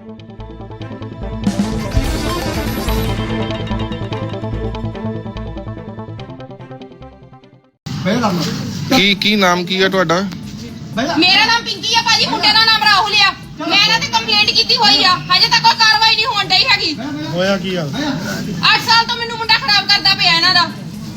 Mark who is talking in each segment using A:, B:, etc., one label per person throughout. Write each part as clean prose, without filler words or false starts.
A: ਕੀ ਨਾਮ ਕੀ ਹੈ ਤੁਹਾਡਾ?
B: ਮੇਰਾ ਨਾਮ ਪਿੰਕੀ ਆ ਭਾਜੀ, ਮੁੰਡੇ ਦਾ ਨਾਮ ਰਾਹੁਲ ਆ। ਮੈਂ ਇਹਨਾਂ ਤੇ ਕੰਪਲੇਂਟ ਕੀਤੀ ਹੋਈ ਆ, ਹਜੇ ਤੱਕ ਕੋਈ ਕਾਰਵਾਈ ਨਹੀਂ ਹੋਣ ਡਈ ਹੈਗੀ।
C: ਹੋਇਆ ਕੀ ਆ?
B: 8 ਸਾਲ ਤੋਂ ਮੈਨੂੰ ਮੁੰਡਾ ਖਰਾਬ ਕਰਦਾ ਪਿਆ ਇਹਨਾਂ ਦਾ।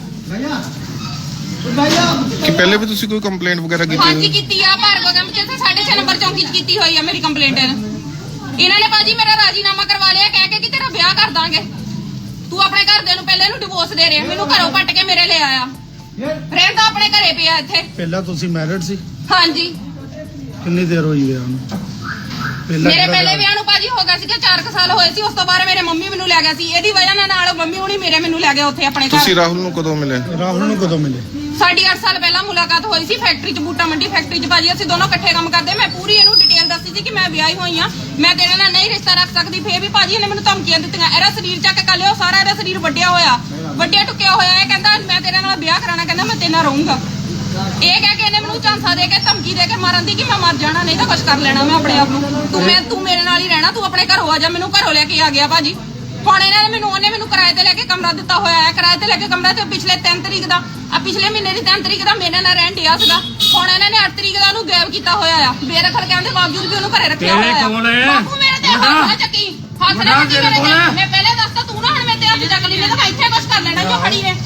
A: ਕਿ ਪਹਿਲੇ ਵੀ ਤੁਸੀਂ ਕੋਈ ਕੰਪਲੇਂਟ ਵਗੈਰਾ ਕੀਤੀ?
B: ਹਾਂਜੀ ਕੀਤੀ ਆ, ਭਾਰਗੋ ਕੈਂਪ ਚ 6.5 ਨੰਬਰ ਚੌਂਕੀ ਚ ਕੀਤੀ ਹੋਈ ਆ ਮੇਰੀ ਕੰਪਲੇਂਟ। ਇਹਨਾਂ ਨੇ ਭਾਜੀ ਮੇਰਾ ਰਾਜੀਨਾਮਾ ਕਰਵਾ ਲਿਆ ਕਹਿ ਕੇ ਕਿ ਤੇਰਾ ਵਿਆਹ ਕਰ ਦਾਂਗੇ। ਤੂੰ ਆਪਣੇ ਘਰਦਿਆਂ ਨੂੰ ਪਹਿਲੇ ਨੂੰ ਡਿਵੋਰਸ ਦੇ ਰਿਹਾ, ਮੈਨੂੰ ਘਰੋਂ ਪੱਟ ਕੇ ਮੇਰੇ ਲੈ ਆਇਆ। ਰਹਿੰਦਾ ਆਪਣੇ ਘਰੇ ਪਿਆ ਇੱਥੇ।
C: ਪਹਿਲਾਂ ਤੁਸੀਂ ਮੈਰਿਡ ਸੀ?
B: ਹਾਂਜੀ।
C: ਕਿੰਨੀ ਦੇਰ ਹੋਈ ਵਿਆਹ ਨੂੰ?
B: ਮੇਰੇ ਪਹਿਲੇ ਵਿਆਹ ਨੂੰ ਭਾਜੀ ਹੋ ਗਿਆ ਸੀਗਾ 4 ਸਾਲ ਹੋਏ ਸੀ। ਉਸ ਤੋਂ ਬਾਅਦ ਮੇਰੇ ਮੰਮੀ ਮੈਨੂੰ ਲੈ ਗਿਆ ਸੀ। ਇਹਦੀ ਵਜ੍ਹਾ ਨਾਲ ਮੰਮੀ ਹੁਣੀ ਮੈਨੂੰ ਲੈ ਗਏ ਉੱਥੇ ਆਪਣੇ ਘਰ।
A: ਤੁਸੀਂ ਰਾਹੁਲ ਨੂੰ ਕਦੋਂ ਮਿਲੇ?
C: ਰਾਹੁਲ ਨੂੰ ਕਦੋਂ ਮਿਲੇ?
B: ਸਾਡੀ 8 ਸਾਲ ਪਹਿਲਾਂ ਮੁਲਾਕਾਤ ਹੋਈ ਸੀ ਫੈਕਟਰੀ 'ਚ, ਬੂਟਾ ਮੰਡੀ ਫੈਕਟਰੀ 'ਚ। ਭਾਜੀ ਅਸੀਂ ਦੋਨੋਂ ਇਕੱਠੇ ਕੰਮ ਕਰਦੇ। ਮੈਂ ਪੂਰੀ ਇਹਨੂੰ ਡਿਟੇਲ ਦੱਸੀ ਸੀ ਕਿ ਮੈਂ ਵਿਆਹੀ ਹੋਈ ਆ, ਮੈਂ ਤੇਰੇ ਨਾਲ ਨਹੀਂ ਰਿਸ਼ਤਾ ਰੱਖ ਸਕਦੀ। ਫੇਰ ਵੀ ਭਾਜੀ ਇਹਨੇ ਮੈਨੂੰ ਧਮਕੀਆਂ ਦਿੱਤੀਆਂ। ਇਹਦਾ ਸਰੀਰ ਚੱਕ ਕੇ ਲਿਓ, ਸਾਰਾ ਇਹਦਾ ਸਰੀਰ ਵੱਡਿਆ ਹੋਇਆ, ਵੱਡਿਆ ਟੁੱਕਿਆ ਹੋਇਆ। ਇਹ ਕਹਿੰਦਾ ਮੈਂ ਤੇਰੇ ਨਾਲ ਵਿਆਹ ਕਰਾਣਾ, ਕਹਿੰਦਾ ਮੈਂ ਤੇਰੇ ਨਾਲ ਰਹੂੰਗਾ। ਇਹ ਕਹਿ ਕੇ ਇਹਨੇ ਮੈਨੂੰ ਝਾਂਸਾ ਦੇ ਕੇ ਧਮਕੀ ਦੇ ਕੇ ਮਾਰਨ ਦੀ ਕਿ ਮੈਂ ਮਰ ਜਾਣਾ, ਨਹੀਂ ਤਾਂ ਕੁਛ ਕਰ ਲੈਣਾ ਮੈਂ ਆਪਣੇ ਆਪ ਨੂੰ। ਤੂੰ ਮੇਰੇ ਨਾਲ ਹੀ ਰਹਿਣਾ, ਤੂੰ ਆਪਣੇ ਘਰੋਂ ਆ ਜਾ। ਮੈਨੂੰ ਘਰੋਂ ਲੈ ਕੇ ਆ ਗਿਆ ਭਾਜੀ। ਹੁਣ ਇਹਨਾਂ ਨੇ ਉਹਨੇ ਮੈਨੂੰ ਕਿਰਾਏ ਤੇ ਲੈ ਕੇ ਕਮਰਾ ਦਿੱਤਾ ਹੋਇਆ ਹੈ। ਕਿਰਾਏ ਤੇ ਲੈ ਕੇ ਕਮਰਾ ਤੇ ਪਿਛਲੇ 3 ਤਰੀਕ ਦਾ ਪਿਛਲੇ ਮਹੀਨੇ ਦੀ 3 ਤਰੀਕ ਦਾ ਮੇਰੇ ਨਾਲ ਰਹਿਣ ਡਿਆ ਸੀਗਾ। ਹੁਣ ਇਹਨਾਂ ਨੇ 8 ਤਰੀਕ ਦਾ ਉਹਨੂੰ ਗਾਇਬ ਕੀਤਾ ਹੋਇਆ ਆ, ਬੇਦਖਲ ਕਹਿਣ ਦੇ ਬਾਵਜੂਦ ਵੀ ਉਹਨੂੰ ਘਰੇ ਰੱਖਿਆ ਹੋਇਆ ਆ। ਬਾਪੂ ਮੇਰੇ ਤੇ ਹੱਥ ਨਾ ਚੱਕੀ, ਹੱਥ ਨਾ ਚੱਕੀ ਮੇਰੇ ਤੇ। ਮੈਂ ਪਹਿਲੇ ਦੱਸਤਾ, ਤੂੰ ਨਾ ਹੁਣ ਮੇਰੇ ਤੇ ਹੱਥ ਚੱਕ ਲਈ, ਨਹੀਂ ਤਾਂ ਮੈਂ ਇੱਥੇ ਕੁਛ ਕਰ ਲੈਣਾ ਜੋ ਖੜੀ ਨੇ।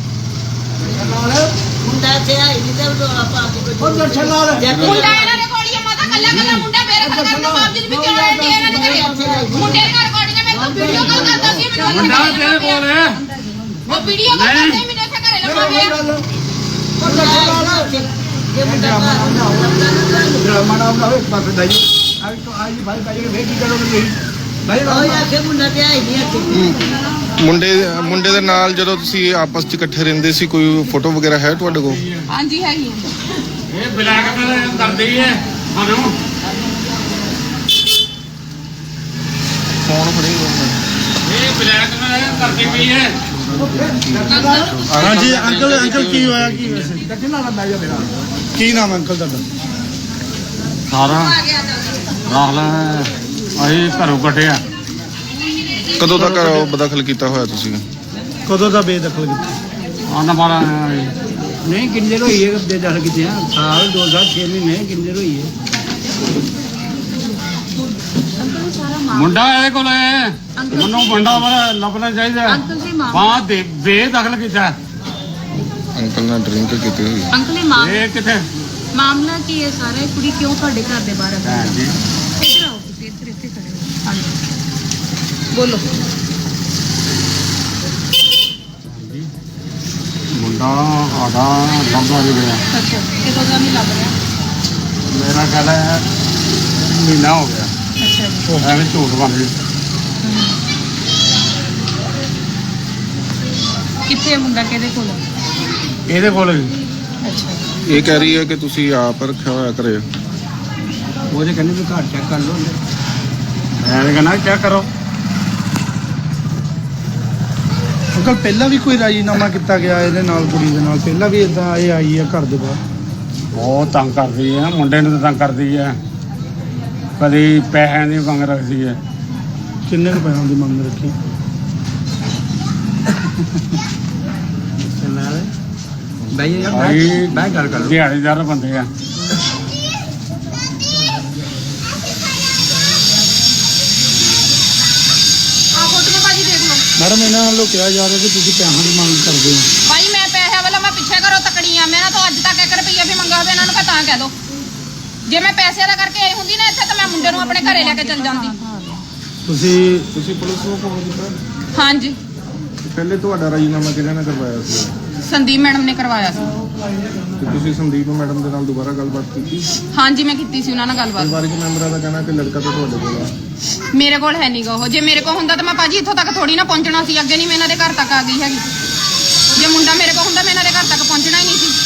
D: ਮੁੰਡਾ ਤੇ ਆਈ ਨਹੀਂ ਤੇ ਉਹ ਪਾ ਕੇ
B: ਮੁੰਡਾ ਇਹਨਾਂ ਦੇ ਕੋਲ ਹੀ ਆ ਮਾਤਾ, ਕੱਲਾ ਮੁੰਡਾ ਬੇਦਖਲ ਕਰਨ ਦੇ ਬਾਵਜੂਦ ਵੀ ਕਿਉਂ ਰਹਿਣ ਡਿਆ ਇਹਨਾਂ ਦੇ ਘਰੇ। ਮੁੰਡੇ ਦੇ ਘਰ ਕੋੜੀਆਂ ਮੇਰੇ ਕੋਲ ਵੀਡੀਓ ਕਾਲ ਕਰਦਾ ਸੀ, ਮੈਨੂੰ
E: ਮੁੰਡਾ ਤੇਰੇ ਕੋਲ ਹੈ,
B: ਉਹ ਵੀਡੀਓ ਕਾਲ ਕਰਦਾ ਸੀ, ਮੈਨੂੰ ਇੱਥੇ ਘਰੇ ਲੱਭਾ ਪਿਆ।
D: ਜੇ ਮੁੰਡਾ ਮੁੰਡਾ ਤੇ ਆਈ ਨਹੀਂ।
A: ਮੁੰਡੇ ਦੇ ਨਾਲ ਜਦੋਂ ਤੁਸੀਂ ਆਪਸ 'ਚ ਇਕੱਠੇ ਰਹਿੰਦੇ ਸੀ, ਕੋਈ ਫੋਟੋ ਵਗੈਰਾ ਹੈ ਤੁਹਾਡੇ ਕੋਲ?
B: ਹਾਂਜੀ ਹੈਗੀ।
E: ਇਹ ਬਲੈਕਮੇਲ ਕਰਦੀ ਹੈ ਸਾਨੂੰ।
A: ਫੋਨ ਫੜੀ
E: ਇਹ ਬਲੈਕਮੇਲ ਕਰਦੀ ਪਈ ਹੈ।
C: ਹਾਂਜੀ ਅੰਕਲ ਕੀ ਹੋਇਆ? ਕੀ ਵੈਸੇ ਕੀ ਨਾਮ ਅੰਕਲ ਤੁਹਾਡਾ?
E: ਸਾਰਾ ਰਾਹੁਲ ਅਸੀਂ ਘਰੋਂ ਕੱਢਿਆ।
A: ਕਦੋਂ ਤੱਕ ਬਦਖਲ ਕੀਤਾ ਹੋਇਆ ਤੁਸੀਂ?
C: ਕਦੋਂ ਦਾ ਬੇਦਖਲ ਕੀਤਾ?
E: ਆਨਾ ਮਾਰਾ
F: ਨਹੀਂ ਕਿੰਨੀ ਦੇਰ ਹੋਈ ਹੈ ਬੇਦਖਲ ਕੀਤੇ? ਸਾਲ 2 ਸਾਲ 6 ਮਹੀਨੇ ਕਿੰਨੀ ਦੇਰ ਹੋਈ ਹੈ?
E: ਮੁੰਡਾ ਇਹਦੇ ਕੋਲ ਹੈ, ਮੈਨੂੰ ਮੁੰਡਾ ਲੱਭਣਾ ਚਾਹੀਦਾ। ਬਾਹਰ ਦੇ ਬੇਦਖਲ ਕੀਤਾ।
A: ਅੰਕਲ ਨਾਲ ਡਰਿੰਕ ਕੀਤੀ ਹੋਈ?
G: ਅੰਕਲ
E: ਇਹ ਕਿੱਥੇ
G: ਮਾਮਲਾ ਕੀ ਹੈ ਸਾਰਾ? ਕੁੜੀ ਕਿਉਂ ਤੁਹਾਡੇ ਘਰ ਦੇ ਬਾਹਰ ਆ?
E: ਜੀ
G: ਇੱਧਰ ਆਓ ਤੁਸੀਂ, ਇੱਥੇ ਖੜੇ ਹੋ। ਹਾਂਜੀ ਬੋਲੋ।
E: ਮੁੰਡਾ ਆਦਾ ਲੱਭਾ ਨਹੀਂ ਗਿਆ।
G: ਅੱਛਾ ਕਿਦੋਂ ਦਾ ਨਹੀਂ ਲੱਭ ਰਿਹਾ?
E: ਮੇਰਾ ਖਿਆਲ ਹੈ ਮਹੀਨਾ ਹੋ ਗਿਆ।
G: ਅੱਛਾ ਜੀ।
E: ਐਵੇਂ ਝੂਠ ਬਣ ਗਈ।
G: ਕਿੱਥੇ ਮੁੰਡਾ ਕਿਹਦੇ ਕੋਲ?
E: ਇਹਦੇ ਕੋਲ ਵੀ
G: ਅੱਛਾ
A: ਇਹ ਕਹਿ ਰਹੀ ਹੈ ਕਿ ਤੁਸੀਂ ਆਪ ਰੱਖਿਆ ਹੋਇਆ ਘਰੇ।
F: ਉਹਦੇ ਕਹਿੰਦੇ ਵੀ ਘਰ ਚੈੱਕ ਕਰ ਲਓ।
E: ਐਵੇਂ ਕਹਿੰਦਾ ਚੈੱਕ ਕਰੋ।
C: ਅੰਕਲ ਪਹਿਲਾਂ ਵੀ ਕੋਈ ਰਾਜੀਨਾਮਾ ਕੀਤਾ ਗਿਆ ਇਹਦੇ ਨਾਲ, ਕੁੜੀ ਦੇ ਨਾਲ? ਪਹਿਲਾਂ ਵੀ ਇਦਾਂ ਇਹ ਆਈ ਹੈ ਘਰ ਦੇ ਬਾਹਰ?
E: ਬਹੁਤ ਤੰਗ ਕਰਦੀ ਹੈ, ਮੁੰਡੇ ਨੂੰ ਤਾਂ ਤੰਗ ਕਰਦੀ ਹੈ। ਕਦੀ ਪੈਸਿਆਂ ਦੀ ਮੰਗ ਰੱਖਦੀ ਹੈ।
C: ਕਿੰਨੇ ਕੁ ਪੈਸਿਆਂ ਦੀ ਮੰਗ ਰੱਖੀ?
F: ਬਈ ਯਾਰ ਮੈਂ ਗੱਲ ਕਰ
E: ਦਿਹਾੜੀਦਾਰ ਬੰਦੇ ਆ।
C: ਮੈਡਮ ਇਹਨਾਂ ਵੱਲੋਂ ਕਿਹਾ ਜਾ ਰਿਹਾ ਕਿ ਤੁਸੀਂ ਪੈਸਿਆਂ ਦੀ ਮੰਗ ਕਰਦੇ ਹੋ।
B: ਭਾਈ ਮੈਂ ਪੈਸੇ ਵਾਲਾ ਮੈਂ ਪਿੱਛੇ ਘਰੋਂ ਤਕੜੀ ਆ। ਮੇਰਾ ਤਾਂ ਅੱਜ ਤੱਕ 1 ਰੁਪਈਆ ਵੀ ਮੰਗਾ ਹੋਵੇ ਇਹਨਾਂ ਨੂੰ ਤਾਂ ਕਹਿ ਦੋ। ਜੇ ਮੈਂ ਪੈਸੇ ਦਾ ਕਰਕੇ ਆਈ ਹੁੰਦੀ ਨਾ ਇੱਥੇ ਤਾਂ ਮੈਂ ਮੁੰਡੇ ਨੂੰ ਆਪਣੇ ਘਰੇ ਲੈ ਕੇ ਚੱਲ ਜਾਂਦੀ।
A: ਤੁਸੀਂ ਪੁਲਿਸ ਨੂੰ ਫੋਨ ਕੀਤਾ?
B: ਹਾਂਜੀ।
A: ਪਹਿਲੇ ਤੁਹਾਡਾ ਰਾਜੀਨਾਮਾ ਕਿਹਨਾਂ ਨੇ ਕਰਵਾਇਆ ਸੀ?
B: ਸੰਦੀਪ ਮੈਡਮ ਨੇ ਕਰਵਾਇਆ ਸੀ।
A: ਤੇ ਤੁਸੀਂ ਸੰਦੀਪ ਮੈਡਮ ਦੇ ਨਾਲ ਦੁਬਾਰਾ ਗੱਲਬਾਤ ਕੀਤੀ?
B: ਹਾਂਜੀ ਮੈਂ ਕੀਤੀ ਸੀ ਉਹਨਾਂ ਨਾਲ ਗੱਲਬਾਤ।
A: ਪਰਿਵਾਰਕ ਮੈਂਬਰਾਂ ਦਾ ਕਹਿਣਾ ਕਿ ਲੜਕਾ ਤਾਂ ਤੁਹਾਡੇ ਕੋਲ ਆ।
B: ਮੇਰੇ ਕੋਲ ਹੈ ਨਹੀਂਗਾ ਉਹ। ਜੇ ਮੇਰੇ ਕੋਲ ਹੁੰਦਾ ਤਾਂ ਮੈਂ ਭਾਜੀ ਇੱਥੋਂ ਤੱਕ ਥੋੜੀ ਨਾ ਪਹੁੰਚਣਾ ਸੀ। ਅੱਗੇ ਨਹੀਂ ਮੈਂ ਇਹਨਾਂ ਦੇ ਘਰ ਤੱਕ ਆ ਗਈ ਹੈਗੀ। ਜੇ ਮੁੰਡਾ ਮੇਰੇ ਕੋਲ ਹੁੰਦਾ ਮੈਂ ਇਹਨਾਂ ਦੇ ਘਰ ਤੱਕ ਪਹੁੰਚਣਾ ਹੀ ਨਹੀਂ ਸੀ।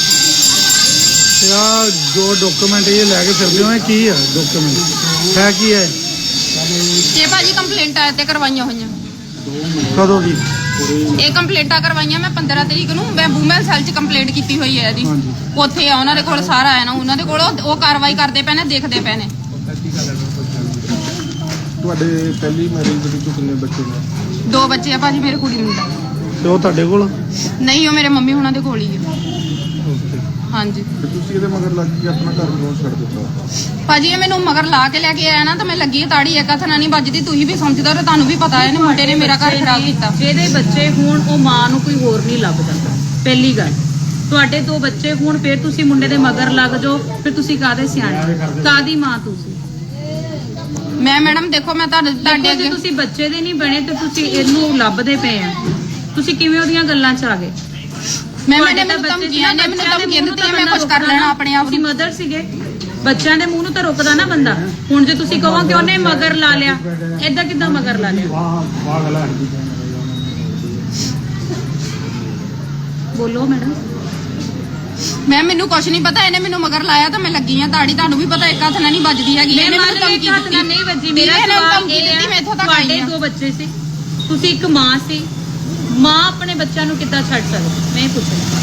C: ਯਾਰ ਜੋ ਡਾਕੂਮੈਂਟ ਇਹ ਲੈ ਕੇ ਫਿਰਦੇ ਹੋ, ਇਹ ਕੀ ਹੈ ਡਾਕੂਮੈਂਟ? ਹੈ ਕੀ ਹੈ
B: ਇਹ ਭਾਜੀ ਕੰਪਲੇਂਟਾਂ ਤੇ ਕਰਵਾਈਆਂ ਹੋਈਆਂ।
C: ਕਦੋਂ ਦੀ?
B: ਇਹ ਕੰਪਲੇਂਟਾਂ ਕਰਵਾਈਆਂ ਮੈਂ 15 ਤਰੀਕ ਨੂੰ। ਮੈਂ ਵੂਮਨ ਸੈੱਲ 'ਚ ਕੰਪਲੇਂਟ ਕੀਤੀ ਹੋਈ ਹੈ ਇਹਦੀ। ਉੱਥੇ ਆ ਉਹਨਾਂ ਦੇ ਕੋਲ ਸਾਰਾ ਹੈ ਨਾ, ਉਹਨਾਂ ਦੇ ਕੋਲ ਉਹ ਕਾਰਵਾਈ ਕਰਦੇ ਪਏ ਨੇ, ਦੇਖਦੇ ਪਏ ਨੇ।
A: ਤੁਹਾਡੇ ਪਹਿਲੀ ਮੈਰਿਜ ਦੇ ਵਿੱਚ ਕਿੰਨੇ ਬੱਚੇ ਨੇ?
B: 2 ਬੱਚੇ ਆ ਭਾਜੀ, ਮੇਰੇ ਕੁੜੀ ਮੁੰਡਾ।
C: ਤੇ ਉਹ ਤੁਹਾਡੇ ਕੋਲ?
B: ਨਹੀਂ, ਉਹ ਮੇਰੇ ਮੰਮੀ ਹੁਣਾਂ ਦੇ ਕੋਲ ਹੀ ਆ। ਹਾਂਜੀ।
A: ਤੇ ਤੁਸੀਂ ਇਹਦੇ ਮਗਰ ਲੱਗ ਕੇ ਆਪਣਾ ਘਰ ਕਿਉਂ ਛੱਡ ਦਿੱਤਾ?
B: ਭਾਜੀ ਇਹ ਮੈਨੂੰ ਮਗਰ ਲਾ ਕੇ ਲੈ ਕੇ ਆਇਆ ਨਾ, ਤਾਂ ਮੈਂ ਲੱਗੀ ਤਾੜੀ ਇੱਕ ਹੱਥ ਨਾਲ ਨਹੀਂ ਵੱਜਦੀ। ਤੁਸੀਂ ਵੀ ਸਮਝਦੇ ਹੋ, ਤੁਹਾਨੂੰ ਵੀ ਪਤਾ ਹੈ ਇਹਨੇ ਮੁੰਡੇ ਨੇ ਮੇਰਾ ਘਰ ਖਰਾਬ ਕੀਤਾ।
H: ਜਿਹਦੇ ਬੱਚੇ ਹੋਣ ਉਹ ਮਾਂ ਨੂੰ ਕੋਈ ਹੋਰ ਨਹੀਂ ਲੱਭਦਾ। ਪਹਿਲੀ ਗੱਲ, ਤੁਹਾਡੇ 2 ਬੱਚੇ ਹੋਣ ਫਿਰ ਤੁਸੀਂ ਮੁੰਡੇ ਦੇ ਮਗਰ ਲੱਗ ਜਾਓ, ਫਿਰ ਤੁਸੀਂ ਕਾਹਦੇ ਸਿਆਣੇ, ਕਾਹਦੀ ਮਾਂ ਤੁਸੀਂ?
B: ਮੈਂ ਮੈਡਮ ਦੇਖੋ, ਮੈਂ ਤੁਹਾਡੇ
H: ਜੇ ਤੁਸੀਂ ਬੱਚੇ ਦੇ ਨਹੀਂ ਬਣੇ ਤੇ ਤੁਸੀਂ ਇਹਨੂੰ ਲੱਭਦੇ ਪਏ ਆ, ਤੁਸੀਂ ਕਿਵੇਂ ਉਹਦੀਆਂ ਗੱਲਾਂ 'ਚ ਆ ਗਏ?
B: ਮੈਨੂੰ ਧਮਕੀਆਂ ਦਿੱਤੀਆਂ, ਮੈਂ ਕੁਝ ਕਰ ਲੈਣਾ ਆਪਣੇ ਆਪ।
H: ਤੁਸੀਂ ਮਦਰ ਸੀਗੇ, ਬੱਚਿਆਂ ਦੇ ਮੂੰਹ ਨੂੰ ਤਾਂ ਰੁਕਦਾ ਨਾ ਬੰਦਾ। ਹੁਣ ਜੇ ਤੁਸੀਂ ਕਹੋ ਕਿ ਉਹਨੇ ਮਗਰ ਲਾ ਲਿਆ, ਏਦਾਂ ਕਿੱਦਾਂ ਮਗਰ ਲਾ ਲਿਆ? ਬੋਲੋ ਮੈਡਮ।
B: ਮੈਨੂੰ ਕੁਝ ਨਹੀਂ ਪਤਾ, ਇਹਨੇ ਮੈਨੂੰ ਮਗਰ ਲਾਇਆ ਤਾਂ ਮੈਂ ਲੱਗੀ ਆ ਤਾੜੀ। ਤੁਹਾਨੂੰ ਵੀ ਪਤਾ ਇੱਕ ਹੱਥ ਨਾਲ ਨਹੀਂ ਵੱਜਦੀ ਹੈਗੀ।
H: ਮੈਂ ਮੰਨ ਲਈ ਇੱਕ ਹੱਥ ਨਾਲ ਨਹੀਂ ਵੱਜੀ। ਮੇਰਾ ਸਵਾਲ ਇਹ ਹੈ, ਤੁਹਾਡੇ 2 ਬੱਚੇ ਸੀ, ਤੁਸੀਂ ਇੱਕ ਮਾਂ ਸੀ, ਮਾਂ ਆਪਣੇ ਬੱਚਿਆਂ ਨੂੰ ਕਿੱਦਾਂ ਛੱਡ ਸਕਦੀ? ਮੈਂ ਪੁੱਛਣਾ।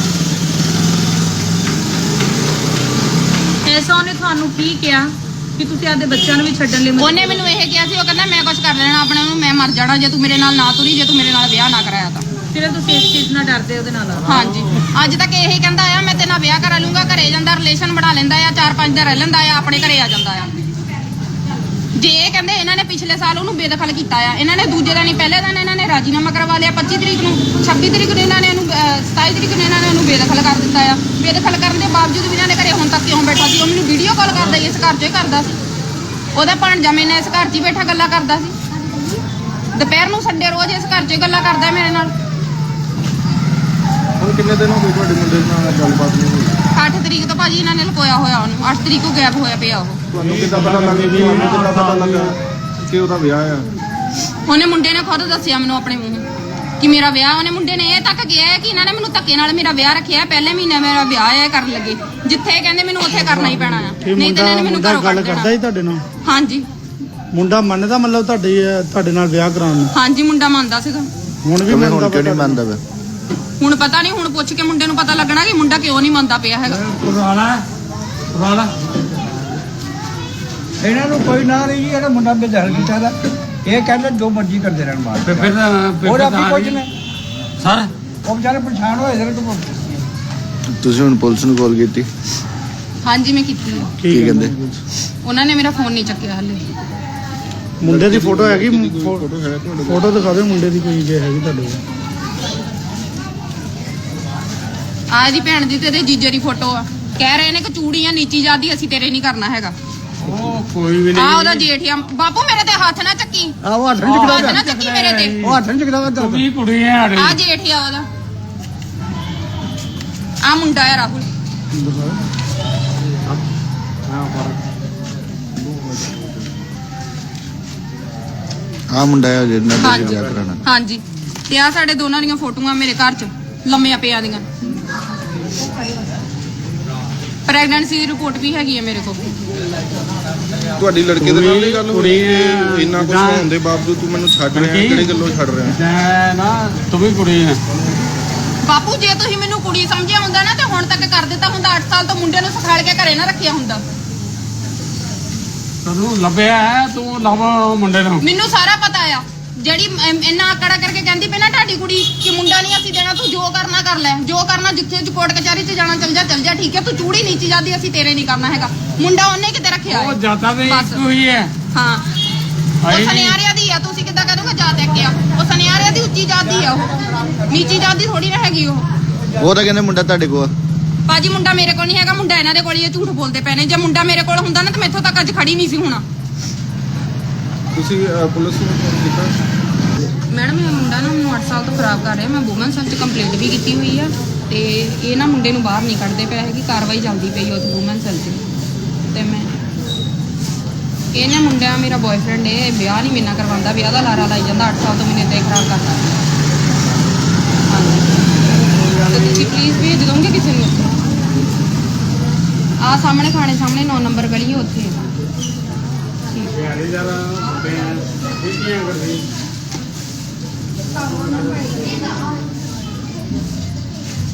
H: ਐਸਾ ਉਹਨੇ ਤੁਹਾਨੂੰ ਕੀ ਕਿਹਾ ਕਿ ਤੁਸੀਂ ਆਪਦੇ ਬੱਚਿਆਂ ਨੂੰ ਵੀ ਛੱਡਣ ਲਈ?
B: ਉਹਨੇ ਮੈਨੂੰ ਇਹ ਕਿਹਾ ਸੀ, ਉਹ ਕਹਿੰਦਾ ਮੈਂ ਕੁਝ ਕਰ ਲੈਣਾ ਆਪਣੇ ਨੂੰ, ਮੈਂ ਮਰ ਜਾਣਾ ਜੇ ਤੂੰ ਮੇਰੇ ਨਾਲ ਨਾ ਤੁਰੀ, ਜੇ ਤੂੰ ਮੇਰੇ ਨਾਲ ਵਿਆਹ ਨਾ ਕਰਾਇਆ ਤਾਂ।
H: ਫਿਰ ਤੁਸੀਂ ਇਸ ਚੀਜ਼ ਨਾਲ ਡਰਦੇ ਉਹਦੇ ਨਾਲ?
B: ਹਾਂਜੀ, ਅੱਜ ਤੱਕ ਇਹੀ ਕਹਿੰਦਾ ਆ ਮੈਂ ਤੇਰੇ ਨਾਲ ਵਿਆਹ ਕਰਾ ਲੂੰਗਾ। ਘਰੇ ਜਾਂਦਾ, ਰਿਲੇਸ਼ਨ ਬਣਾ ਲੈਂਦਾ ਆ, 4-5 ਦਿਨ ਰਹਿ ਲੈਂਦਾ ਆ, ਆਪਣੇ ਘਰੇ ਆ ਜਾਂਦਾ ਆ। ਜੇ ਇਹ ਕਹਿੰਦੇ ਇਹਨਾਂ ਨੇ ਪਿਛਲੇ ਸਾਲ ਉਹਨੂੰ ਬੇਦਖਲ ਕੀਤਾ ਆ, ਇਹਨਾਂ ਨੇ ਦੂਜੇ ਦਿਨ ਹੀ ਪਹਿਲੇ ਦਿਨ ਇਹਨਾਂ ਨੇ ਰਾਜੀਨਾਮਾ ਕਰਵਾ ਲਿਆ। 25 ਤਰੀਕ ਨੂੰ, 26 ਤਰੀਕ ਨੂੰ ਇਹਨਾਂ ਨੇ ਇਹਨੂੰ 27 ਤਰੀਕ ਨੂੰ ਇਹਨਾਂ ਨੇ ਉਹਨੂੰ ਬੇਦਖਲ ਕਰ ਦਿੱਤਾ ਆ। ਬੇਦਖਲ ਕਰਨ ਦੇ ਬਾਵਜੂਦ ਵੀ ਇਹਨਾਂ ਦੇ ਘਰੇ ਹੁਣ ਤੱਕ ਕਿਉਂ ਬੈਠਾ ਸੀ? ਉਹ ਮੈਨੂੰ ਵੀਡੀਓ ਕਾਲ ਕਰਦਾ ਹੀ, ਇਸ ਘਰ 'ਚ ਹੀ ਕਰਦਾ ਸੀ। ਉਹਦਾ ਭਾਣਜਾ ਮੇਰੇ ਨਾਲ ਇਸ ਘਰ 'ਚ ਹੀ ਬੈਠਾ ਗੱਲਾਂ ਕਰਦਾ ਸੀ। ਦੁਪਹਿਰ ਨੂੰ ਸੰਡੇ ਰੋਜ਼ ਇਸ ਘਰ 'ਚ ਹੀ ਗੱਲਾਂ ਕਰਦਾ ਮੇਰੇ ਨਾਲ।
A: ਹੁਣ ਕਿੰਨੇ ਦਿਨ ਹੋ ਗਏ ਤੁਹਾਡੇ ਮੁੰਡੇ ਨਾਲ ਗੱਲਬਾਤ ਨਹੀਂ ਹੋਈ?
B: 8 ਤਰੀਕ ਤੋਂ ਭਾਜੀ ਇਹਨਾਂ ਨੇ ਲੁਕੋਇਆ ਹੋਇਆ ਉਹਨੂੰ। 8 ਤਰੀਕ ਨੂੰ ਗਾਇਬ ਹੋਇਆ ਪਿਆ ਉਹ।
A: ਤੁਹਾਨੂੰ ਕਿੱਦਾਂ ਪਤਾ ਲੱਗਾ ਕਿ ਉਹਦਾ ਵਿਆਹ ਆ?
B: ਉਹਨੇ ਮੁੰਡੇ ਨੇ ਖੁਦ ਦੱਸਿਆ ਮੈਨੂੰ ਆਪਣੇ ਮੂੰਹੋਂ ਕਿ ਮੇਰਾ ਵਿਆਹ। ਉਹਨੇ ਮੁੰਡੇ ਨੇ ਇਹ ਤੱਕ ਕਿਹਾ ਹੈ ਕਿ ਇਹਨਾਂ ਨੇ ਮੈਨੂੰ ਧੱਕੇ ਨਾਲ ਮੇਰਾ ਵਿਆਹ ਰੱਖਿਆ। ਪਹਿਲੇ ਮਹੀਨੇ ਮੇਰਾ ਵਿਆਹ ਹੈ ਕਰਨ ਲੱਗੇ, ਜਿੱਥੇ ਕਹਿੰਦੇ ਮੈਨੂੰ ਉੱਥੇ ਕਰਨਾ ਹੀ ਪੈਣਾ ਆ, ਨਹੀਂ ਤੇ ਇਹਨਾਂ ਨੇ ਮੈਨੂੰ ਘਰੋਂ ਕੱਢ ਦੇਣਾ।
C: ਕਰਦਾ ਹੀ ਤੁਹਾਡੇ ਨਾਲ?
B: ਹਾਂਜੀ।
C: ਮੁੰਡਾ ਮੰਨਦਾ ਮਤਲਬ ਤੁਹਾਡੇ ਨਾਲ ਵਿਆਹ ਕਰਾਉਣ ਨੂੰ?
B: ਹਾਂਜੀ, ਮੁੰਡਾ ਮੰਨਦਾ ਸੀਗਾ।
C: ਹੁਣ ਵੀ ਮੰਨਦਾ? ਕਿਉਂ ਨਹੀਂ ਮੰਨਦਾ ਵੇ?
B: ਹੁਣ ਪਤਾ ਨਹੀਂ, ਹੁਣ ਪੁੱਛ ਕੇ ਮੁੰਡੇ ਨੂੰ ਪਤਾ ਲੱਗਣਾ ਕਿ ਮੁੰਡਾ ਕਿਉਂ ਨਹੀਂ ਮੰਨਦਾ ਪਿਆ ਹੈਗਾ।
F: ਪੁਰਾਣਾ ਇਹਨਾਂ ਨੂੰ ਕੋਈ ਨਾ ਨਹੀਂ ਜੀ, ਇਹਦਾ ਮੁੰਡਾ ਬੇਦਖਲ ਕੀਤਾ ਦਾ। ਇਹ ਕਹਿੰਦੇ ਜੋ ਮਰਜ਼ੀ ਕਰਦੇ ਰਹਿਣ ਬਾਹਰ। ਹੋਰ ਆਪੀ ਕੁਝ ਨਹੀਂ
E: ਸਰ।
F: ਉਹ ਵਿਚਾਰੇ ਪਰੇਸ਼ਾਨ ਹੋਏ ਦੇ।
I: ਤੁਸੀਂ ਹੁਣ ਪੁਲਿਸ ਨੂੰ ਕਾਲ ਕੀਤੀ?
B: ਹਾਂਜੀ ਮੈਂ ਕੀਤੀ ਹੈ।
I: ਕੀ ਕਹਿੰਦੇ?
B: ਉਹਨਾਂ ਨੇ ਮੇਰਾ ਫੋਨ ਨਹੀਂ ਚੱਕਿਆ ਹਾਲੇ।
C: ਮੁੰਡੇ ਦੀ ਫੋਟੋ ਹੈਗੀ?
A: ਫੋਟੋ ਹੈ ਤੁਹਾਡੇ ਕੋਲ?
C: ਫੋਟੋ ਦਿਖਾ ਦਿਓ ਮੁੰਡੇ ਦੀ ਕੋਈ ਜੇ ਹੈਗੀ ਤੁਹਾਡੇ ਕੋਲ।
B: ਆ ਇਹਦੀ ਭੈਣ ਦੀ ਤੇ ਇਹਦੇ ਜੀਜੇ ਦੀ ਫੋਟੋ ਆ। ਕਹਿ ਰਹੇ ਨੇ ਕਿ ਚੂੜੀਆਂ ਨੀਚੀ ਜਾਂਦੀ, ਅਸੀਂ ਤੇਰੇ ਨਹੀਂ ਕਰਨਾ ਹੈਗਾ।
E: ਉਹ ਕੋਈ ਵੀ
B: ਆ
E: ਨਹੀਂ।
B: ਉਹਦਾ ਜੇਠ ਆ। ਬਾਪੂ ਮੇਰੇ ਤੇ ਹੱਥ ਨਾ ਚੱਕੀ,
F: ਆਹ ਹੱਥ
B: ਹੱਥ ਨਾ ਚੱਕੀ ਮੇਰੇ ਤੇ।
F: ਉਹ ਹੱਥ ਨਹੀਂ ਚੁੱਕਦਾ।
E: ਤੂੰ ਵੀ ਕੁੜੀ ਹੈ ਸਾਡੀ।
B: ਆ ਜੇਠ ਆ ਉਹਦਾ। ਆ ਮੁੰਡਾ ਆ ਰਾਹੁਲ।
I: ਆ ਮੁੰਡਾ ਹੈ ਜਿਹਦੇ ਨਾਲ ਤੁਸੀਂ ਵਿਆਹ ਕਰਾਉਣਾ?
B: ਹਾਂਜੀ। ਤੇ ਆ ਸਾਡੇ ਦੋਨਾਂ ਦੀਆਂ ਫੋਟੋਆਂ ਮੇਰੇ ਘਰ 'ਚ ਲੰਮੀਆਂ ਪਿਆ ਦੀਆਂ। ਪ੍ਰੈਗਨੈਂਸੀ ਦੀ ਰਿਪੋਰਟ ਵੀ ਹੈਗੀ ਹੈ ਮੇਰੇ ਕੋਲ।
A: ਤੁਹਾਡੀ ਲੜਕੇ ਦੇ ਨਾਲ ਨਹੀਂ ਗੱਲ ਹੋਈ?
E: ਕੁੜੀ ਹੈ।
A: ਇੰਨਾ ਕੁਝ ਹੋਣ ਦੇ ਬਾਵਜੂਦ ਤੂੰ ਮੈਨੂੰ ਛੱਡ ਰਿਹਾ, ਕਿਹੜੀ ਗੱਲੋਂ ਛੱਡ ਰਿਹਾ?
E: ਮੈਂ ਨਾ ਤੂੰ ਵੀ ਕੁੜੀ ਹੈ।
B: ਬਾਪੂ ਜੇ ਤੁਸੀਂ ਮੈਨੂੰ ਕੁੜੀ ਸਮਝਿਆ ਹੁੰਦਾ ਨਾ ਤੇ ਹੁਣ ਤੱਕ ਕਰ ਦਿੱਤਾ ਹੁੰਦਾ। 8 ਸਾਲ ਤੋਂ ਮੁੰਡੇ ਨੂੰ ਸਿਖਾਲ ਕੇ ਘਰੇ ਨਾ ਰੱਖਿਆ ਹੁੰਦਾ।
E: ਤੈਨੂੰ ਲੱਭਿਆ ਹੈ, ਤੂੰ ਲੱਭ ਮੁੰਡੇ ਨੂੰ।
B: ਮੈਨੂੰ ਸਾਰਾ ਪਤਾ ਆ। ਜਿਹੜੀ ਇੰਨਾ ਆਕੜਾ ਕਰਕੇ ਕਹਿੰਦੀ ਪਈ ਨਾ ਤੁਹਾਡੀ ਕੁੜੀ ਕਿ ਮੁੰਡਾ ਨਹੀਂ ਅਸੀਂ ਦੇਣਾ, ਤੂੰ ਜੋ ਕਰਨਾ ਕਰ ਲੈ, ਜੋ ਕਰਨਾ ਜਿੱਥੇ ਕੋਰਟ ਕਚਹਿਰੀ 'ਚ ਜਾਣਾ ਚੱਲ ਜਾ, ਠੀਕ ਹੈ। ਤੂੰ ਚੂੜੀ ਨੀਚੀ ਜਾਂਦੀ, ਅਸੀਂ ਤੇਰੇ ਨਹੀਂ ਕਰਨਾ ਹੈਗਾ। ਮੁੰਡਾ ਉਹਨੇ ਕਿਤੇ ਰੱਖਿਆ
E: ਉਹ
B: ਹੈ।
E: ਜਾਤਾ ਵੀ
B: ਬਸ।
E: ਇੱਕੋ ਹੀ ਹੈ।
B: ਹਾਂ, ਉਹ ਸੁਨਿਆਰਿਆਂ ਦੀ ਆ। ਤੁਸੀਂ ਕਿੱਦਾਂ ਕਰੋਗੇ ਜਾਤ ਇੱਕ ਆ? ਉਹ ਸੁਨਿਆਰਿਆਂ ਦੀ ਉੱਚੀ ਜਾਤ ਦੀ ਆ, ਉਹ ਨੀਚੀ ਜਾਤ ਦੀ ਥੋੜੀ ਨਾ ਹੈਗੀ ਉਹ
I: ਤਾਂ ਕਹਿੰਦੇ ਮੁੰਡਾ ਤੁਹਾਡੇ ਕੋਲ?
B: ਭਾਜੀ ਮੁੰਡਾ ਮੇਰੇ ਕੋਲ ਨਹੀਂ ਹੈਗਾ, ਮੁੰਡਾ ਇਹਨਾਂ ਦੇ ਕੋਲ ਹੀ ਹੈ। ਝੂਠ ਬੋਲਦੇ ਪਏ ਨੇ। ਜੇ ਮੁੰਡਾ ਮੇਰੇ ਕੋਲ ਹੁੰਦਾ ਨਾ ਤਾਂ ਮੈਥੋਂ ਤੱਕ ਅੱਜ ਖੜੀ ਨਹੀਂ ਸੀ ਹੋਣਾ।
A: ਤੁਸੀਂ ਪੁਲਿਸ ਨੂੰ ਫੋਨ ਕੀਤਾ?
B: ਮੈਡਮ ਇਹ ਮੁੰਡਾ ਨਾ ਮੈਨੂੰ 8 ਸਾਲ ਤੋਂ ਖਰਾਬ ਕਰ ਰਿਹਾ। ਮੈਂ ਵੂਮਨ ਸੈਲ 'ਚ ਕੰਪਲੇਂਟ ਵੀ ਕੀਤੀ ਹੋਈ ਆ ਤੇ ਇਹ ਨਾ ਮੁੰਡੇ ਨੂੰ ਬਾਹਰ ਨਹੀਂ ਕੱਢਦੇ ਪਏ ਹੈਗੀ। ਕਾਰਵਾਈ ਚੱਲਦੀ ਪਈ ਉੱਥੇ ਵੂਮਨ ਸੈਲ 'ਚ। ਤੇ ਮੈਂ ਇਹ ਨਾ ਮੁੰਡਾ ਮੇਰਾ ਬॉयਫ੍ਰੈਂਡ ਹੈ, ਵਿਆਹ ਨਹੀਂ ਮੇਰੇ ਨਾਲ ਕਰਵਾਉਂਦਾ, ਵਿਆਹ ਦਾ ਲਾਰਾ ਲਾਈ ਜਾਂਦਾ। 8 ਸਾਲ ਤੋਂ ਮੈਨੂੰ ਇੱਦਾਂ ਹੀ ਖਰਾਬ ਕਰਦਾ। ਹਾਂਜੀ, ਤੇ ਤੁਸੀਂ ਪਲੀਜ਼ ਭੇਜ ਦੋਗੇ ਕਿਸੇ ਨੂੰ? ਆ ਸਾਹਮਣੇ ਖਾਣੇ ਸਾਹਮਣੇ 9 ਨੰਬਰ ਗਲੀ ਹੈ ਉੱਥੇ।